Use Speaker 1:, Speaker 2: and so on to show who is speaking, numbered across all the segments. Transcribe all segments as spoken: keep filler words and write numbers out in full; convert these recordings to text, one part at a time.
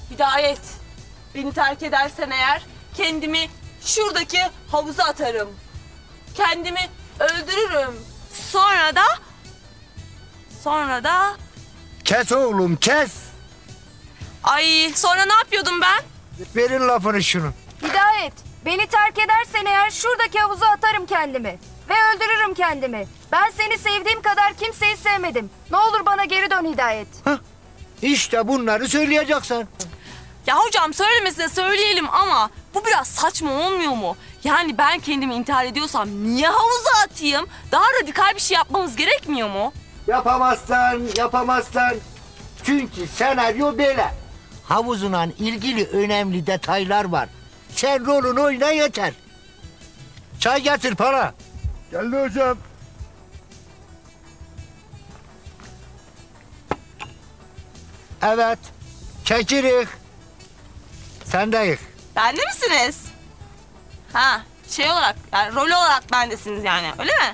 Speaker 1: Hidayet, beni terk edersen eğer kendimi şuradaki havuza atarım. Kendimi öldürürüm. Sonra da... Sonra da...
Speaker 2: Kes oğlum kes.
Speaker 1: Ay sonra ne yapıyordum ben?
Speaker 2: Verin lafını şunu.
Speaker 3: Hidayet, beni terk edersen eğer şuradaki havuza atarım kendimi. Ve öldürürüm kendimi. Ben seni sevdiğim kadar kimseyi sevmedim. Ne olur bana geri dön Hidayet.
Speaker 2: Hah, İşte bunları söyleyeceksin.
Speaker 1: Ya hocam söylemesine söyleyelim ama bu biraz saçma olmuyor mu? Yani ben kendimi intihar ediyorsam niye havuza atayım? Daha radikal bir şey yapmamız gerekmiyor mu?
Speaker 2: Yapamazsan, yapamazsan. Çünkü senaryo böyle. Havuzunla ilgili önemli detaylar var. Sen rolünü oyna yeter. Çay getir para. Geldi hocam. Evet. Çekirik. Sendeyiz.
Speaker 1: Bende misiniz? Ha şey olarak yani rol olarak bendesiniz yani öyle mi?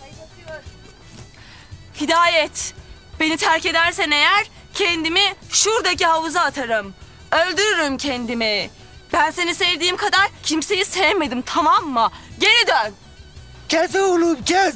Speaker 1: Hidayet, beni terk edersen eğer kendimi şuradaki havuza atarım. Öldürürüm kendimi. Ben seni sevdiğim kadar kimseyi sevmedim, tamam mı? Geri dön.
Speaker 2: Kes oğlum kes.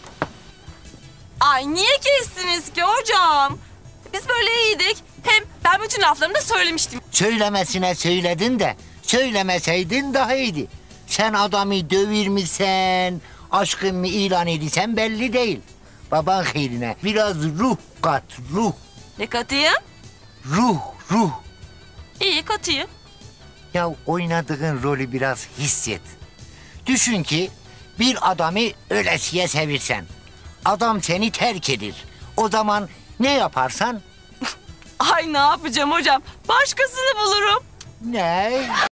Speaker 1: Ay niye kestiniz ki hocam? Biz böyle iyiydik. Hem ben bütün laflarımı da söylemiştim.
Speaker 2: Söylemesine söyledin de söylemeseydin daha iyiydi. Sen adamı dövürmüşsen, aşkın mı ilan edilsen belli değil. Baban hayrine biraz ruh kat, ruh,
Speaker 1: Ne katıyım?
Speaker 2: ruh, ruh.
Speaker 1: İyi katıyım.
Speaker 2: Ya oynadığın rolü biraz hisset. Düşün ki bir adamı ölesiye sevirsen. Adam seni terk edir. O zaman ne yaparsan?
Speaker 1: Ay ne yapacağım hocam? Başkasını bulurum.
Speaker 2: Ne?